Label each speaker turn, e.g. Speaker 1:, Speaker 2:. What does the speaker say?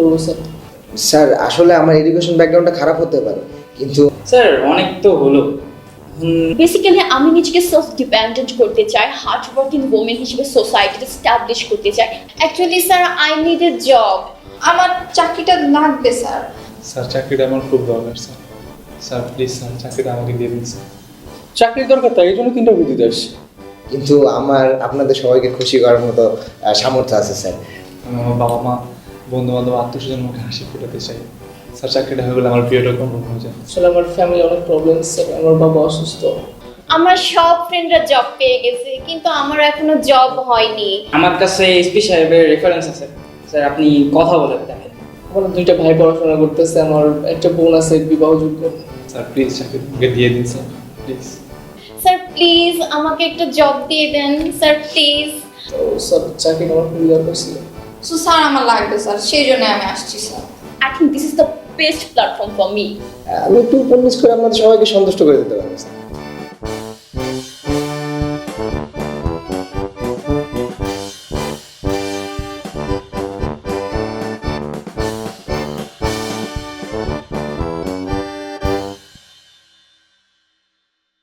Speaker 1: করবো sir.
Speaker 2: Sir আসলে আমার এডুকেশন ব্যাকগ্রাউন্ডটা খারাপ হতে পারে, কিন্তু
Speaker 3: স্যার অনেক তো হলো।
Speaker 4: বেসিক্যালি আমি নিজেকে সেলফ ডিপেন্ডেন্ট করতে চাই, হার্ড ওয়ার্কিং ওমেন হিসেবে সোসাইটিতে স্টাবলিশ করতে চাই। Actually sir I need a job.
Speaker 5: আমার চাকরিটা লাগবে স্যার।
Speaker 6: স্যার চাকরিটা আমার খুব দরকার স্যার। স্যার প্লিজ স্যার চাকরিটা আমাকে দিয়ে দিন স্যার।
Speaker 1: চাকরির দরকার, তাই এই জন্য তিনটা বুদ্ধি দেশ।
Speaker 2: কিন্তু আমার আপনাদের সবাইকে খুশি করার মতো সামর্থ্য আছে স্যার।
Speaker 6: আমি আমার বাবা মা, বন্ধু বান্ধব, আত্মীয়স্বজন মুখে হাসি ফোটাতে চাই। স্যার চাকরিটা হয়ে গেলে আমার প্রিয়টা কমন হয়ে যায়।
Speaker 1: আসলে আমার ফ্যামিলি অনেক প্রবলেম স্যার, আমার বাবা অসুস্থ।
Speaker 4: আমার সব ফ্রেন্ডরা জব পেয়ে গেছে, কিন্তু আমার এখনো জব হয়নি।
Speaker 3: আমার কাছে এসপি সাহেবের রেফারেন্স আছে, স্যার আপনি কথা বলে দেখেন।
Speaker 1: আমার দুইটা ভাই পড়াশোনা করতেছে, আমার একটা বোন আছে বিবাহযোগ্য।
Speaker 6: স্যার প্লিজ চাকরি আমাকে দিয়ে দিন স্যার প্লিজ।
Speaker 4: স্যার প্লিজ আমাকে একটা জব দিয়ে দেন স্যার, প্লিজ।
Speaker 1: তো স্যার চাকরি আমার খুবই দরকার ছিল।
Speaker 5: সো স্যার আমার লাগবে স্যার, সেই জন্য আমি আসছি sir.
Speaker 4: I think this is the best platform for me.
Speaker 2: আমি একটু উপন্যাস করে আপনাদের সবাইকে সন্তুষ্ট করে দিতে পারবো স্যার।